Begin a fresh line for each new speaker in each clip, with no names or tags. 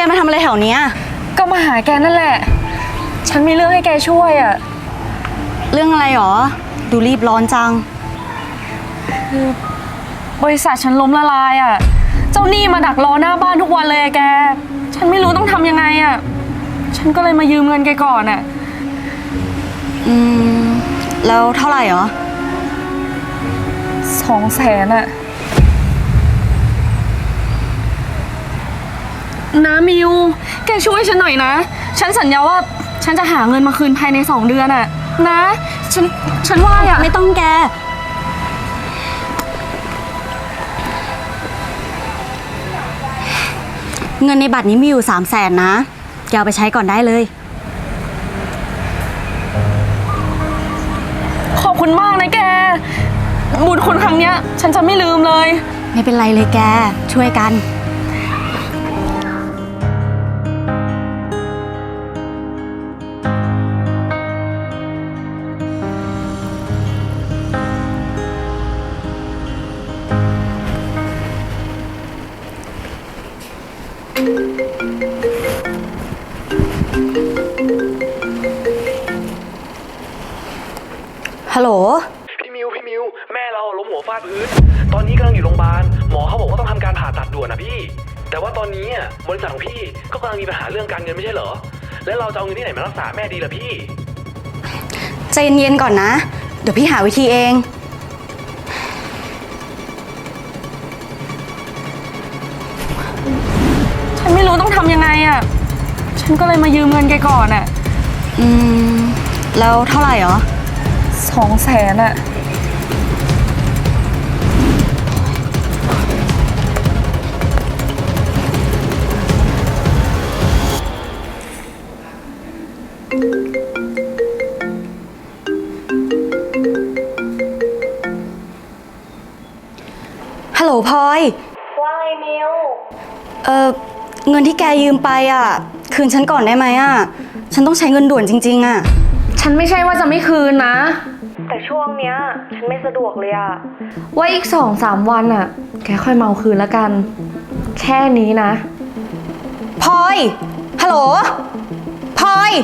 มาทำอะไรแถวเนี้ย
ก็มาหาแกนั่นแหละฉันมีเรื่องให้แกช่วยอะ
เรื่องอะไรหรอดูรีบร้อนจัง
คือบริษัทฉันล้มละลายอะเจ้าหนี้มาดักรอหน้าบ้านทุกวันเลยแกฉันไม่รู้ต้องทำยังไงอะฉันก็เลยมายืมเงินแกก่อนอะ
แล้วเท่าไหร่หรอ
200,000อะนะมิวแกช่วยฉันหน่อยนะฉันสัญญาว่าฉันจะหาเงินมาคืนภายใน2 เดือนอะนะฉันว่าอะ
ไม่ต้องแกเงินในบัตรนี้มีอยู่300,000นะแกเอาไปใช้ก่อนได้เลย
ขอบคุณมากนะแกบุญคุณครั้งเนี้ยฉันจะไม่ลืมเลย
ไม่เป็นไรเลยแกช่วยกันฮัลโหล
พี่มิวแม่เราล้มหัวฟาดพื้นตอนนี้กำลังอยู่โรงพยาบาลหมอเขาบอกว่าต้องทำการผ่าตัดด่วนนะพี่แต่ว่าตอนนี้บริษัทของพี่ก็กำลังมีปัญหาเรื่องการเงินไม่ใช่เหรอแล้วเราจะเอาเงินที่ไหนมารักษาแม่ดีล่ะพี่
ใจเย็นๆก่อนนะเดี๋ยวพี่หาวิธีเอง
ฉันไม่รู้ต้องทำยังไงอ่ะฉันก็เลยมายืมเงินแกก่อนอ่ะ
แล้วเท่าไหร่หรอ
200,000อ่ะ
ฮัลโหลพลอย
ว่าไงมิว
เงินที่แกยืมไปอ่ะคืนฉันก่อนได้ไหมอ่ะฉันต้องใช้เงินด่วนจริงๆอ่ะ
ฉันไม่ใช่ว่าจะไม่คืนนะ
แต่ช่วงเนี้ยฉันไม่สะดวกเลยอ่ะ
ว่าอีก2-3 วันอ่ะแกค่อยมาเอาคืนแล้วกันแค่นี้นะ
พลอยฮัลโหลพลอย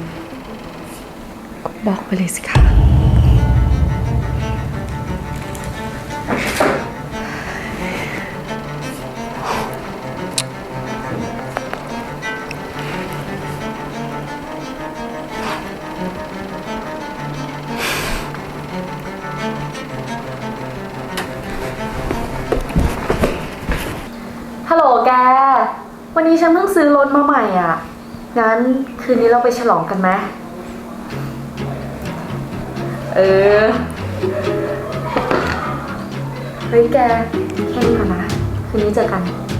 บอกไปเลยสิคะฮัลโหลแกวันนี้ฉันเพิ่งซื้อรถมาใหม่อ่ะงั้นคืนนี้เราไปฉลองกันไหมเฮ้ยแกแค่นี้ก่อนนะคืนนี้เจอกัน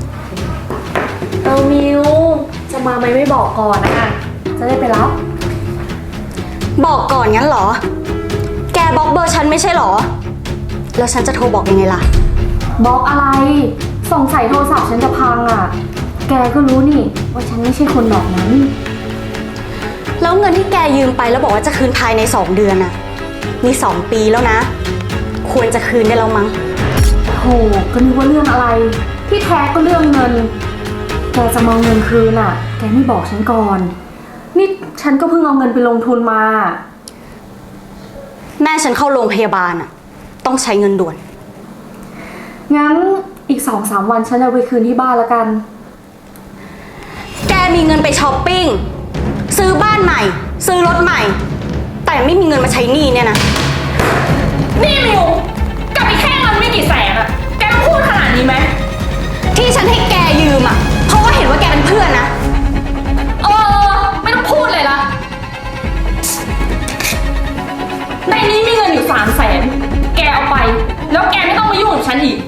มิวจะมาไหมไม่บอกก่อนนะจะได้ไปรับ
บอกก่อนงั้นเหรอแกบล็อกเบอร์ฉันไม่ใช่เหรอแล้วฉันจะโทรบอกยังไงล่ะ
บล็อกอะไรสงสัยโทรศัพท์ฉันจะพังอ่ะแกก็รู้นี่ว่าฉันไม่ใช่คนแบบนั้น
แล้วเงินที่แกยืมไปแล้วบอกว่าจะคืนภายใน2 เดือนน่ะนี่2 ปีแล้วนะควรจะคืนได้แล้วมั้ง
โหก็นึกว่าเรื่องอะไรที่แท้ก็เรื่องเงินแกจะมาเอาเงินคืนอ่ะแกไม่บอกฉันก่อนนี่ฉันก็เพิ่งเอาเงินไปลงทุนมา
แม่ฉันเข้าโรงพยาบาลอ่ะต้องใช้เงินด่วน
งั้นอีก2-3 วันฉันเอาไปคืนที่บ้านแล้วกัน
แกมีเงินไปช้อปปิ้งซื้อบ้านใหม่ซื้อรถใหม่แต่ไม่มีเงินมาใช้หนี้เนี่ยนะ
นี่มิวกลับไปแค่เงินไม่กี่แสนอะแกต้องพูดขนาดนี้ไหม
ที่ฉันให้แกยืมอะเพราะว่าเห็นว่าแกเป็นเพื่อนนะ
ไม่ต้องพูดเลยละในนี้มีเงินอยู่300,000แกเอาไปแล้วแกไม่ต้องมายุ่งกับฉันอีก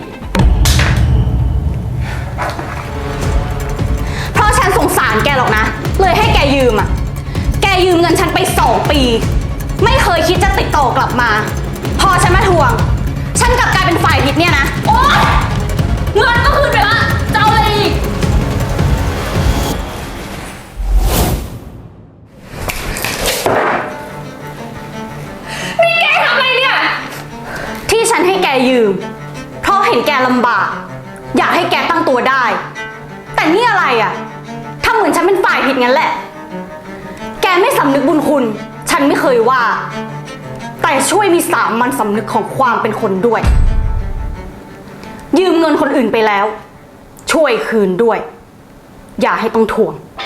เพราะฉันสงสารแกหรอกนะเลยให้แกยืมอะแกยืมเงินฉันไป2 ปีไม่เคยคิดจะติดต่อกลับมาพอฉันมาทวงฉันกลับกลายเป็นฝ่ายผิดเนี่ยนะ
โอ๊ยเงินก็คืนไปละจะเอาอะไรอีกนี่แกทำอะไรเนี่ย
ที่ฉันให้แกยืมเพราะเห็นแกลำบากอยากให้แกตั้งตัวได้แต่นี่อะไรอะทำเหมือนฉันเป็นฝ่ายผิดงั้นแหละ แกไม่สำนึกบุญคุณ ฉันไม่เคยว่า แต่ช่วยมีสามัญสำนึกของความเป็นคนด้วย ยืมเงินคนอื่นไปแล้ว ช่วยคืนด้วย อย่าให้ต้องทวง